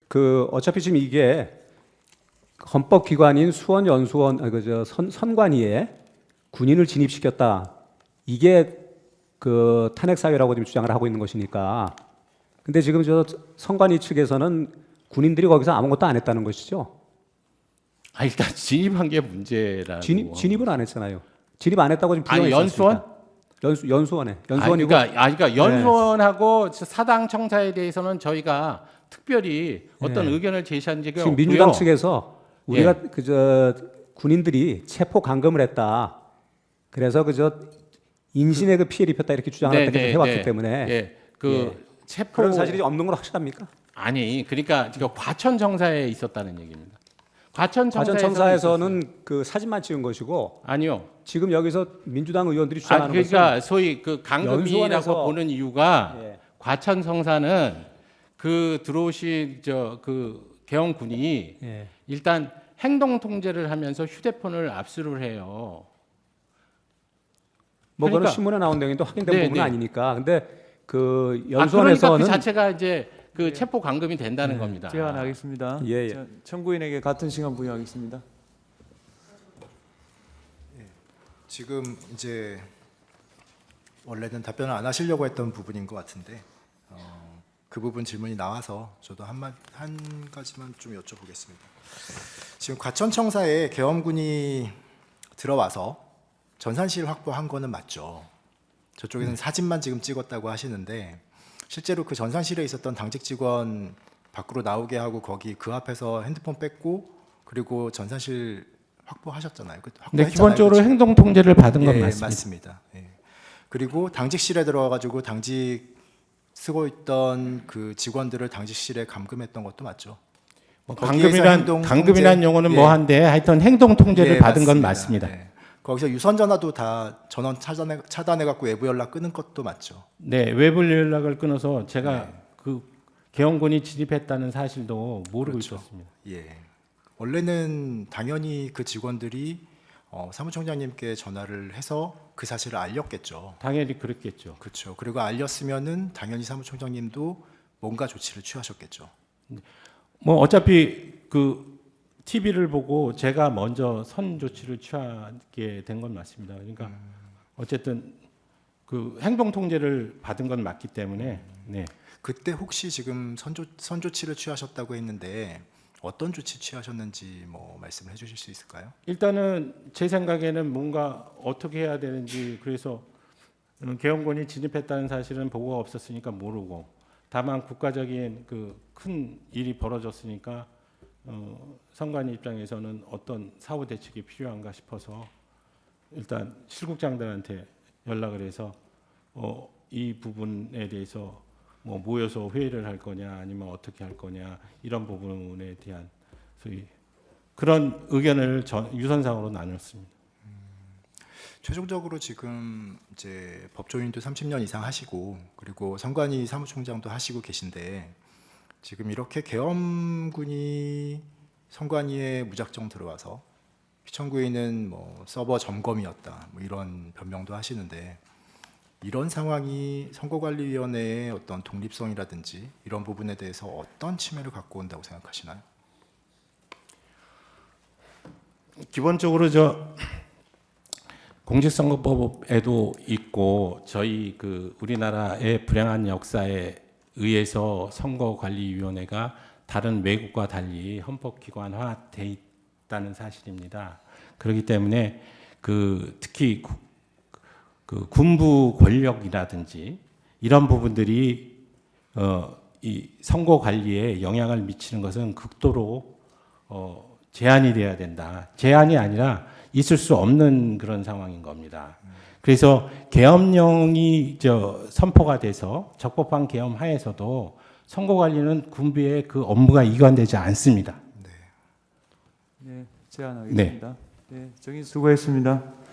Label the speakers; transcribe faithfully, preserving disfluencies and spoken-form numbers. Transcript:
Speaker 1: 그 어차피 지금 이게 헌법기관인 수원연수원 아, 그저 선, 선관위에 군인을 진입시켰다. 이게 그 탄핵 사유라고 지금 주장을 하고 있는 것이니까. 근데 지금 저 선관위 측에서는 군인들이 거기서 아무것도 안 했다는 것이죠.
Speaker 2: 아 일단 진입한 게 문제라고.
Speaker 1: 진입 진입은 안 했잖아요. 진입 안 했다고 지금
Speaker 2: 아니
Speaker 1: 부정했지
Speaker 2: 연수원?
Speaker 1: 않습니까? 연수 연수원에
Speaker 2: 아니,
Speaker 1: 연수원이고.
Speaker 2: 그러니까, 아니, 그러니까 연수원하고 사당 청사에 대해서는 저희가 특별히 어떤
Speaker 1: 네.
Speaker 2: 의견을 제시한 적이
Speaker 1: 지금
Speaker 2: 없고요.
Speaker 1: 민주당 측에서 우리가
Speaker 2: 예.
Speaker 1: 그저 군인들이 체포 감금을 했다. 그래서 그저 인신에 그 피해를 입혔다 이렇게 주장을
Speaker 2: 네,
Speaker 1: 계속
Speaker 2: 네,
Speaker 1: 해왔기
Speaker 2: 네.
Speaker 1: 때문에
Speaker 2: 예, 그
Speaker 1: 예.
Speaker 2: 체포
Speaker 1: 그런 사실이 없는 건 확실합니까?
Speaker 2: 아니 그러니까 지금 과천 청사에 있었다는 얘기입니다. 과천 청사에서는,
Speaker 1: 과천청사에서는 그 사진만 찍은 것이고
Speaker 2: 아니요.
Speaker 1: 지금 여기서 민주당 의원들이
Speaker 2: 아,
Speaker 1: 주장하는
Speaker 2: 그러니까 소위 그 강금이라고
Speaker 1: 연수원에서-
Speaker 2: 보는 이유가
Speaker 1: 예.
Speaker 2: 과천 청사는 그 들어오신 저 그 개헌군이
Speaker 1: 예.
Speaker 2: 일단 행동 통제를 하면서 휴대폰을 압수를 해요.
Speaker 1: 뭐 그거는
Speaker 2: 그러니까-
Speaker 1: 신문에 나온 내용인데 확인된
Speaker 2: 네,
Speaker 1: 부분은
Speaker 2: 네.
Speaker 1: 아니니까. 근데 그
Speaker 2: 아, 그러니까
Speaker 1: 연수원에서는
Speaker 2: 그 자체가 이제 그 체포 감금이 된다는 겁니다.
Speaker 3: 제안하겠습니다.
Speaker 1: 예, 예.
Speaker 3: 자, 청구인에게 같은 시간 부여하겠습니다.
Speaker 4: 지금 이제 원래는 답변을 안 하시려고 했던 부분인 것 같은데 어, 그 부분 질문이 나와서 저도 한마, 한 가지만 좀 여쭤보겠습니다. 지금 과천청사에 계엄군이 들어와서 전산실 확보한 거는 맞죠? 저쪽에서는 사진만 지금 찍었다고 하시는데 실제로 그 전산실에 있었던 당직 직원 밖으로 나오게 하고 거기 그 앞에서 핸드폰 뺏고 그리고 전산실 확보하셨잖아요. 그
Speaker 2: 근데
Speaker 4: 확보했잖아요.
Speaker 2: 기본적으로
Speaker 4: 그렇죠?
Speaker 2: 행동 통제를 받은 건
Speaker 4: 예,
Speaker 2: 맞습니다.
Speaker 4: 맞습니다. 예. 그리고 당직실에 들어가가지고 당직 쓰고 있던 그 직원들을 당직실에 감금했던 것도 맞죠.
Speaker 2: 뭐
Speaker 4: 거기에서
Speaker 2: 감금이란
Speaker 4: 행동
Speaker 2: 감금이란
Speaker 4: 통제-
Speaker 2: 용어는
Speaker 4: 예.
Speaker 2: 뭐한데 하여튼 행동 통제를
Speaker 4: 예,
Speaker 2: 받은 건 맞습니다.
Speaker 4: 예. 거기서 유선 전화도 다 전원 차단해 차단해 갖고 외부 연락 끊은 것도 맞죠.
Speaker 2: 네, 외부 연락을 끊어서 제가
Speaker 4: 네.
Speaker 2: 그 개헌군이 진입했다는 사실도 모르고
Speaker 4: 그렇죠.
Speaker 2: 있었습니다.
Speaker 4: 예. 원래는 당연히 그 직원들이 어, 사무총장님께 전화를 해서 그 사실을 알렸겠죠.
Speaker 2: 당연히 그랬겠죠.
Speaker 4: 그렇죠. 그리고 알렸으면은 당연히 사무총장님도 뭔가 조치를 취하셨겠죠.
Speaker 2: 뭐 어차피 그 티비를 보고 제가 먼저 선 조치를 취하게 된 건 맞습니다. 그러니까 어쨌든 그 행동 통제를 받은 건 맞기 때문에 네.
Speaker 4: 그때 혹시 지금 선조, 선조치를 취하셨다고 했는데 어떤 조치 취하셨는지 뭐 말씀을 해주실 수 있을까요?
Speaker 2: 일단은 제 생각에는 뭔가 어떻게 해야 되는지 그래서 개헌군이 진입했다는 사실은 보고가 없었으니까 모르고 다만 국가적인 그 큰 일이 벌어졌으니까 어, 선관위 입장에서는 어떤 사후 대책이 필요한가 싶어서 일단 실국장들한테 연락을 해서 어, 이 부분에 대해서 뭐 모여서 회의를 할 거냐 아니면 어떻게 할 거냐 이런 부분에 대한 소위 그런 의견을 전, 유선상으로 나눴습니다.
Speaker 4: 최종적으로 지금 이제 법조인도 삼십 년 이상 하시고 그리고 선관위 사무총장도 하시고 계신데 지금 이렇게 계엄군이 선관위에 무작정 들어와서 피청구인은 뭐 서버 점검이었다 뭐 이런 변명도 하시는데 이런 상황이 선거관리위원회의 어떤 독립성이라든지 이런 부분에 대해서 어떤 침해를 갖고 온다고 생각하시나요?
Speaker 2: 기본적으로 저 공직선거법에도 있고 저희 그 우리나라의 불행한 역사에 의해서 선거관리위원회가 다른 외국과 달리 헌법기관화돼 있다는 사실입니다. 그렇기 때문에 그 특히 구, 그 군부 권력이라든지 이런 부분들이 어, 이 선거 관리에 영향을 미치는 것은 극도로 어, 제한이 돼야 된다. 제한이 아니라 있을 수 없는 그런 상황인 겁니다. 그래서 계엄령이 저 선포가 돼서 적법한 계엄 하에서도 선거 관리는 군부의 그 업무가 이관되지 않습니다.
Speaker 3: 네, 제안하겠습니다. 네, 정인 수고했습니다.